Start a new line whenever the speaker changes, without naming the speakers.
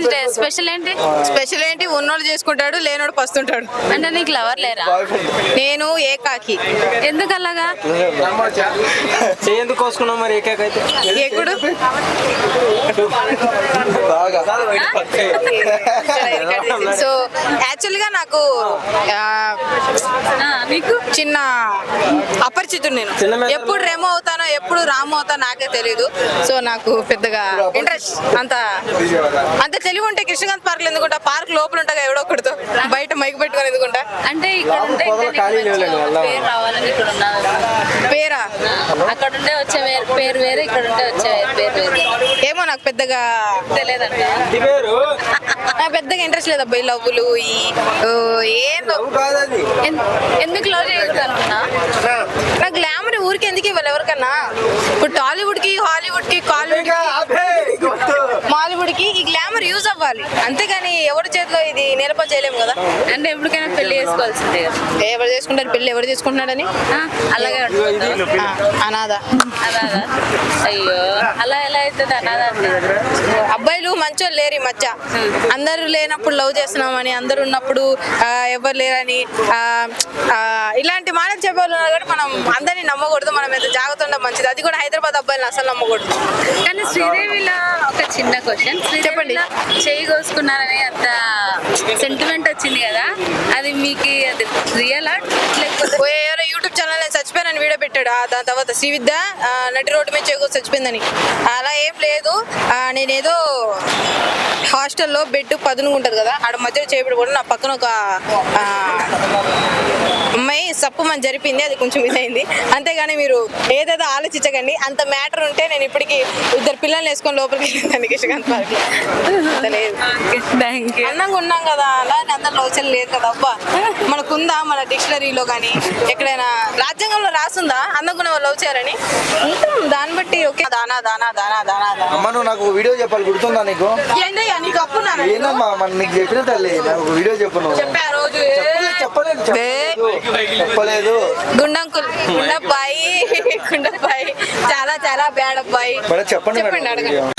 Special ఏంటి?
Special ఏంటి, ఉన్నోడు చేసుకుంటాడు, లేనోడు పస్తుంటాడు.
అంటే నీకు లవర్ లేరా?
నేను ఏకాకి.
ఎందుకు అలాగా?
ఎందుకు కోసుకున్నావు మరి ఏకాకి అయితే?
ఎప్పుడు సో యాక్చువల్ గా నాకు
నీకు
చిన్న అపరిచితుడు. నేను ఎప్పుడు రెమో అవుతానో ఎప్పుడు రాము అవుతానో నాకే తెలీదు. సో నాకు పెద్దగా ఇంట్రెస్ట్ అంత తెలివి ఉంటే కృష్ణకాంత్ పార్క్ ఎందుకుంటా? పార్క్ లోపల ఉంటా ఎవడో ఒకటితో, బయట మైక్ పెట్టుకొని ఎందుకుంటా?
అంటే ఇక్కడ ఉంటే పేరు రావాలని ఇక్కడ ఉన్నారు.
పేరా?
అక్కడ ఉండే వచ్చే పేరు వేరే, ఇక్కడ ఉంటే వచ్చే పేరు వేరే.
ఏమో నాకు పెద్దగా
తెలియదంట.
నాకు పెద్దగా ఇంట్రెస్ట్ లేదు అబ్బాయి లవ్వులు ఏందో.
ఎందుకు లవ్ చేయకూడదు అనుకున్నా?
నాకు గ్లామర్ ఊరికి ఎందుకు ఇవ్వాలి ఎవరికన్నా? ఇప్పుడు టాలీవుడ్ కి, హాలీవుడ్ కి, మాలీవుడ్ కి ఈ గ్లామర్ యూజ్ అవ్వాలి, అంతేగాని ఎవరి చేతిలో ఇది నిలప చేయలేము కదా.
అంటే ఎప్పటికైనా పెళ్లి చేసుకోవాల్సిందే కదా.
ఎవరు చేసుకుంటారు పెళ్లి? ఎవరు చేసుకుంటున్నాడని?
అలాగే
అనాథ.
అనాథ? అయ్యో, అలా ఎలా అవుతుంది అనాథ అంటే?
అబ్బాయిలు మంచోళ్ళు లేరు ఈ మధ్య. అందరూ లేనప్పుడు లవ్ చేస్తున్నామని, అందరు ఉన్నప్పుడు ఎవరు లేరని ఇలాంటి మాటలు చెప్పేవాళ్ళు ఉన్నారు. కాబట్టి మనం అందరినీ నమ్మకూడదు, మనం ఎంత జాగ్రత్త ఉంటే మంచిది. అది కూడా హైదరాబాద్ అబ్బాయిని అసలు నమ్మకూడదు.
కానీ శ్రీదేవిలో ఒక చిన్న క్వశ్చన్, చెప్పండి. చేయి కోసుకున్నారని అంత సెంటిమెంట్ వచ్చింది కదా, అది మీకు అది రియలా లేకపోతే?
ఎవరో యూట్యూబ్ ఛానల్ నేను చచ్చిపోయానని వీడియో పెట్టాడు. దాని తర్వాత శ్రీవిద్య నటి రోడ్డు మీద చేకూరు చచ్చిపోయిందని. అలా ఏం లేదు. నేనేదో హాస్టల్లో బెడ్ పదునుకుంటారు కదా, ఆడ మధ్యలో చేపడి కూడా నా పక్కన ఒక అమ్మాయి సప్పుమని జరిపింది, అది కొంచెం ఇదైంది. అంతేగాని మీరు ఏదేదో ఆలోచించకండి. అంత మ్యాటర్ ఉంటే నేను ఇప్పటికి 2 పిల్లల్ని వేసుకొని లోపలికి వెళ్ళిందండి కృష్ణకాంత్ పార్క్. లేదు, అందంగా ఉన్నాం కదా, అలా అందరు లోచలు లేదు కదా. అబ్బా, మనకుందా మన డిక్షనరీలో కానీ ఎక్కడైనా రాజ్యాంగంలో రాసుందా అందంగా ఉన్న వాళ్ళు లవ్ చేయాలని? దాన్ని బట్టి ఓకే. దానా దానా దానా దానా
అమ్మ, నువ్వు నాకు వీడియో చెప్పాలి, గుర్తుందా నీకు?
ఏందయ్యా నీకు అప్పు?
ఏందమ్మా మన నీకు చెప్పిన తల్లి, నాకు వీడియో చెప్పు. నువ్వు
చెప్పా రోజు
చెప్పలేదు.
గుండంకుల్ గుండబ్బాయి చాలా చాలా బ్యాడ్ అబ్బాయి.
చెప్పండి
అడగండి.